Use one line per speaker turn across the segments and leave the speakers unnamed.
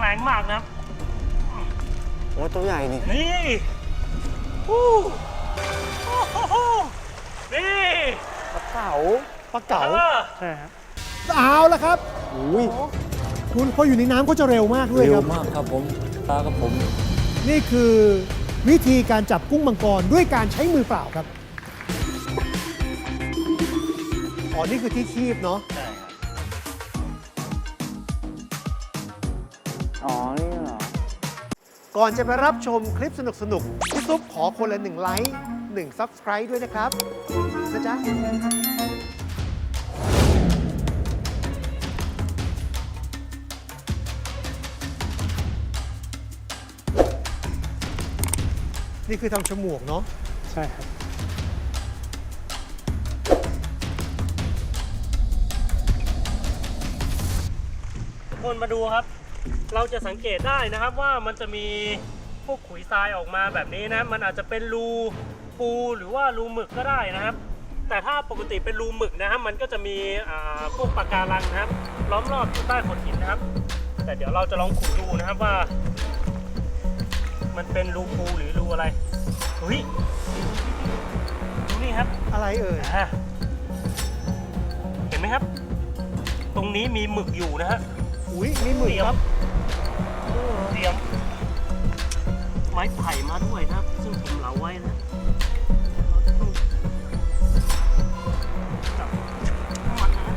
รงมากนะครับ
โอ้ตัวใหญ่นี่
นี่โอ้โหนี่
ปลาเก๋า
ปลาเก๋า
ใช่ครับ
เอาละครับ
อุ้ย
คุณพออยู่ในน้ำก็จะเร็วมากด้วย
เร็
คว รับ
มากครับผมปลากับผม
นี่คือวิธีการจับกุ้งมังกรด้วยการใช้มือเปล่าครับ อ๋อ นี่คือที่คีบเนาะ
ใช่ครับ
อ๋อนี่เหรอ
ก่อนจะไปรับชมคลิปสนุกๆพี่ซุปขอคนละ1 ไลค์ 1 Subscribe ด้วยนะครับนะจ๊ะ นี่คือทำฉมวกเนาะ
ใช่ครับทุกคนมาดูครับ เราจะสังเกตได้นะครับว่ามันจะมีพวกขุยทรายออกมาแบบนี้นะมันอาจจะเป็นรูปูหรือว่ารูหมึกก็ได้นะครับ แต่ถ้าปกติเป็นรูหมึกนะครับมันก็จะมีพวกปะการังนะครับ ล้อมรอบอยู่ใต้โขดหินนะครับ แต่เดี๋ยวเราจะลองขุดดูนะครับว่า มันเป็นรูปูหรือรูอะไรเฮ้ยดูนี่ครับ
อะไรเอ่ย
เห็นไหมครับ ตรงนี้มีหมึกอยู่นะฮะ
อุ้ยมีหมึกครับ
เตรียมไม้ไผ่มาด้วยนะครับ ซึ่งผมเหลาไว้นะเราจะต้องจับมันนะ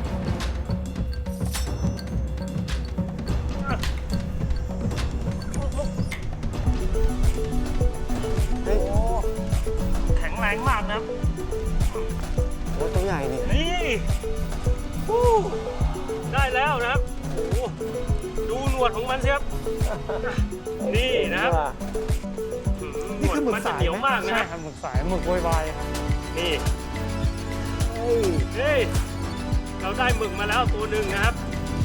เฮ้ย
แข็งแรงมากนะครับ
โอ้ตัวใหญ่นี่
นี่ฮู้ได้แล้วนะครับโอ้โหดูหนวดของมันสิครับ นี่นะครับ
นี่คือหมึก
นจะ
สาย
เหนียว
ไหม
มากนะ
ใช่
ครับ
ครับหมึกสายหมึกโวยวายครับ
นี่
เฮ้ย
เฮ้ยเราได้หมึกมาแล้วตัวหนึ่งนะครับ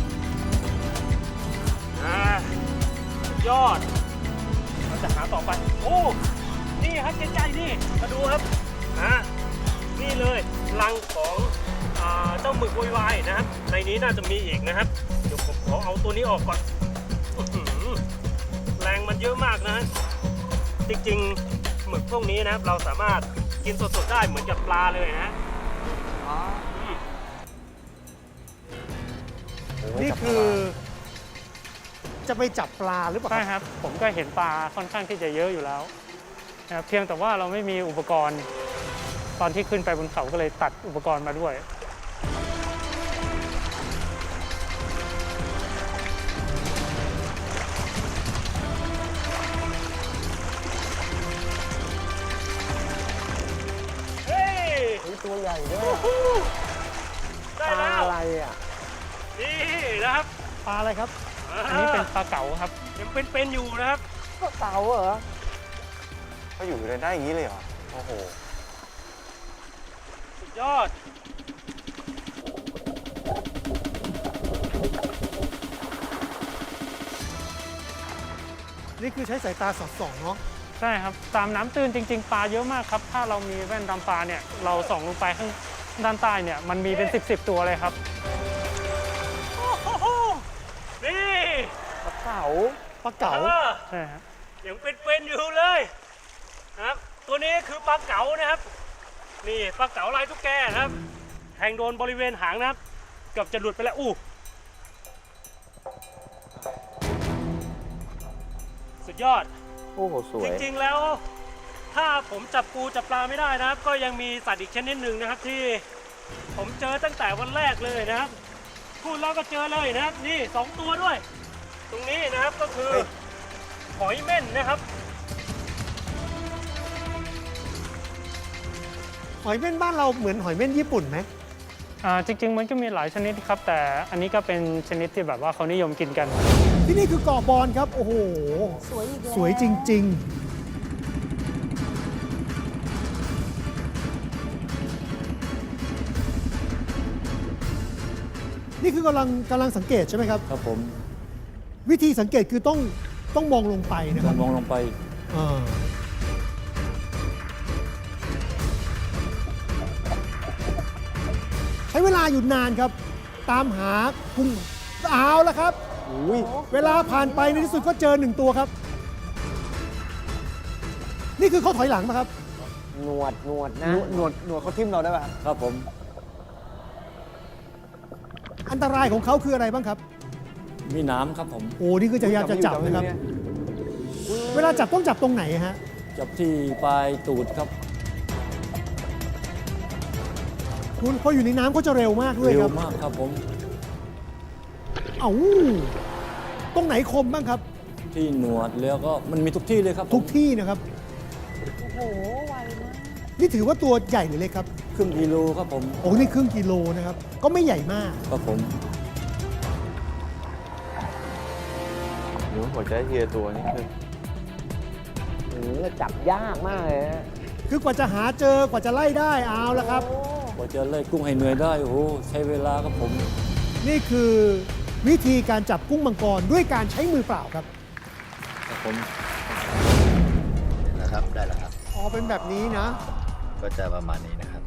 สุดยอดเราจะหาต่อไปโอ้นี่ครับใกล้ๆนี่มาดูครับนี่เลยรังของเจ้าหมึกโวยวายนะครับในนี้น่าจะมีอีกนะครับเดี๋ยวผมขอเอาตัวนี้ออกก่อนอื้อหือแรงมันเยอะมากนะจริงๆหมึกพวกนี้นะครับเราสามารถกินสดๆได้เหมือนกับปลาเลยนะ
นี่คือจะไปจับปลาหรือเปล่า
ใช่
ครับ
ครับ ผมก็เห็นปลาค่อนข้างที่จะเยอะอยู่แล้วนะครับเพียงแต่ว่าเราไม่มีอุปกรณ์ ตอนที่ขึ้นไปบนเขาก็เลยตัดอุปกรณ์มาด้วย
เฮ้ย
อุ้ยตัวใหญ่ด้วย
ได้
ปลา
แล้ว
อะไรอ่ะ
นี่นะครับ
ปลาอะไรครับ
อันนี้เป็นปลาเก๋าครับ
ยังเป็นอยู่นะครับ
ปลาเก๋าเหรอเขาอยู่ได้อย่างนี้เลยเหรอ โอ้โห
สุดยอด
นี่คือใช้สายตาสอดส่องเนาะ
ใช่ครับ ตามน้ำตื้นจริง ๆ ปลาเยอะมากครับ ถ้าเรามีแว่นดำปลาเนี่ย เราส่องลงไปข้างด้านใต้เนี่ย มันมีเป็น10ตัวเลยครับ
โอ้โหนี่
ปลาเก๋า
ปลาเก๋า
ใช่ครับ
ยังเป็นอยู่เลยนะครับ ตัวนี้คือปลาเก๋านะครับ นี่ปลาเก๋าลายตุ๊กแกนะครับแทงโดนบริเวณหางนะครับ เกือบจะหลุดไปแล้วสุดยอด
โอ้โห สว
จ
ย
ริงๆ แล้วถ้าผมจับปูจับปลาไม่ได้นะครับ ก็ยังมีสัตว์อีกชนิดหนึ่งนะครับที่ผมเจอตั้งแต่วันแรกเลยนะครับพูดแล้วก็เจอเลยนะครับนี่2ตัวด้วย ตรงนี้นะครับก็คือหอยเม่นนะครับ
หอยเม่นบ้านเราเหมือนหอยเม่นญี่ปุ่นไหม
จริง ๆ มันก็มีหลายชนิดครับ แต่อันนี้ก็เป็นชนิดที่แบบว่าเขานิยมกินกัน
ที่นี่คือเกาะบอนครับ โอ้โห
สวยอีกแล้ว
สวยจริง ๆ นี่คือกำลังสังเกตใช่ไหมครับ
ครับผม
วิธีสังเกตคือต้องมองลงไปนะครับ
มองลงไป
อ่าใช้เวลาอยู่นานครับ ตามหากุ้งเอาแล้วครับอุ้ยเวลาผ่านไปในที่สุดก็เจอ1ตัวครับ นี่คือเขาถอยหลังมาครับ
หนวดนะ
หนวดเขาทิ่มเราได้ป่ะครับ
ครับผม
อันตรายของเขาคืออะไรบ้างครับ
มีน้ำครับผม
โอ้นี่คือจะพยายามจะจับนะครับ เวลาจับต้องจับตรงไหนฮะ
จับที่ปลายตูดครับ
คุณพออยู่ในน้ำก็จะเร็วมากด้วย
เร็
คว รับ
มากครับผม
เอ้าตรงไหนคมบ้างครับ
ที่หนวดแล้วก็มันมีทุกที่เลยครับผม
ทุกที่นะครับ
โอ้โห ไวมาก
นี่ถือว่าตัวใหญ่หรือเล็กครับ
ครึ่งกิโลครับผม
โอ้นี่ครึ่งกิโลนะครับ ก็ไม่ใหญ่มาก
ครับผม
หนูหัวใจเฮียตัวนี่คือ
จับยากมากเลยนะ
คือกว่าจะหาเจอกว่าจะไล่ได้เอาละครับ
กว่าจะไล่กุ้งให้เหนื่อยได้ โอ้โห ใช้เวลาครับผม
นี่คือวิธีการจับกุ้งมังกรด้วยการใช้มือเปล่าครับ
ครับผม
นะครับได้แล้วครับ
อ๋อเป็นแบบนี้นะ
ก็จะประมาณนี้นะครับ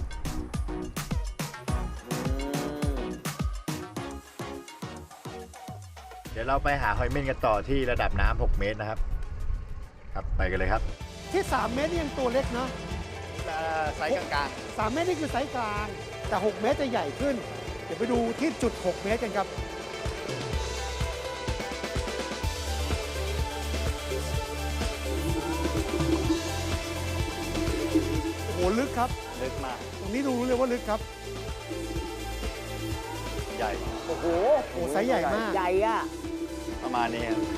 เดี๋ยวเราไปหาหอยเม่นกันต่อที่ระดับน้ำ6 เมตรนะครับ ครับไปกันเลยครับ
ที่ 3 เมตรนี่ยังตัวเล็กเนาะ
ไซส์กลาง
3 เมตรนี่คือไซส์กลาง แต่ 6 เมตรจะใหญ่ขึ้น เดี๋ยวไปดูที่จุด 6 เมตรกันครับ โอ้โห ลึกครับ
ๆลึกมาก
ตรงนี้ดูรู้เลยว่าลึกครับ
ใหญ่
โอ้โห
โอ้ไซส์ใหญ่มาก
ใหญ่อะ
ประมาณนี้ครับ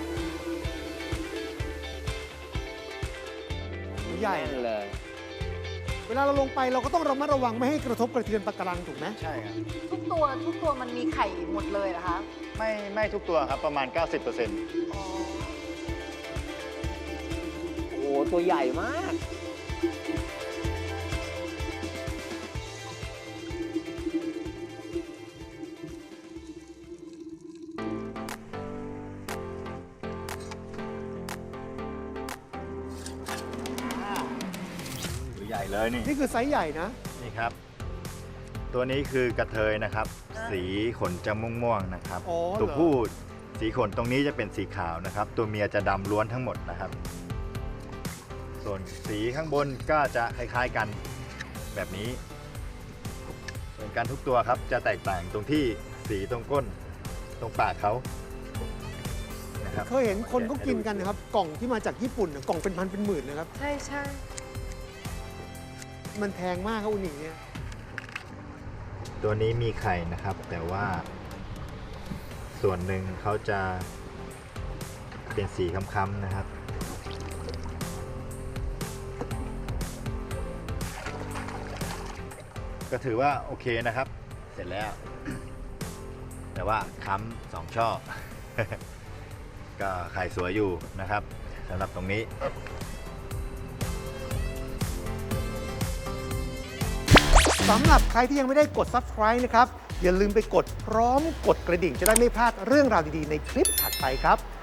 ใหญ่
แน่นเลย
เวลาเราลงไปเราก็ต้องระมัดระวังไม่ให้กระทบกระเทือนปะการังถูกไหม
ใช่ครับ
ทุกตัวมันมีไข่หมดเลยเหรอคะ
ไม่ทุกตัวครับประมาณ 90%
อ๋อ
โอ้โห ตัวใหญ่มาก
ตัวใหญ่เลยนี่
นี่คือไซส์ใหญ่นะ
นี่ครับ ตัวนี้คือกระเทยนะครับ สีขนจะม่วงๆนะครับ
อ๋อเหรอ
ตัวผู้สีขนตรงนี้จะเป็นสีขาวนะครับ ตัวเมียจะดำล้วนทั้งหมดนะครับ ส่วนสีข้างบนก็จะคล้ายๆกันแบบนี้ส่วนการทุกตัวครับจะแตกต่างตรงที่สีตรงก้นตรงปากเขานะครับ
เคยเห็นคนเขากินกันนะครับ กล่องที่มาจากญี่ปุ่นน่ะกล่องเป็นพันเป็นหมื่นนะครับ
ใช่ใช่
มันแพงมากครับอุนิเนี่ย
ตัวนี้มีไข่นะครับ แต่ว่าส่วนหนึ่งเขาจะเป็นสีค้ำๆนะครับ ก็ถือว่าโอเคนะครับ เสร็จแล้ว แต่ว่าค้ำ2 ช่อ ก็ไข่สวยอยู่นะครับสำหรับตรงนี้
สำหรับใครที่ยังไม่ได้กด subscribe นะครับ อย่าลืมไปกดพร้อมกดกระดิ่งจะได้ไม่พลาดเรื่องราวดีๆในคลิปถัดไปครับ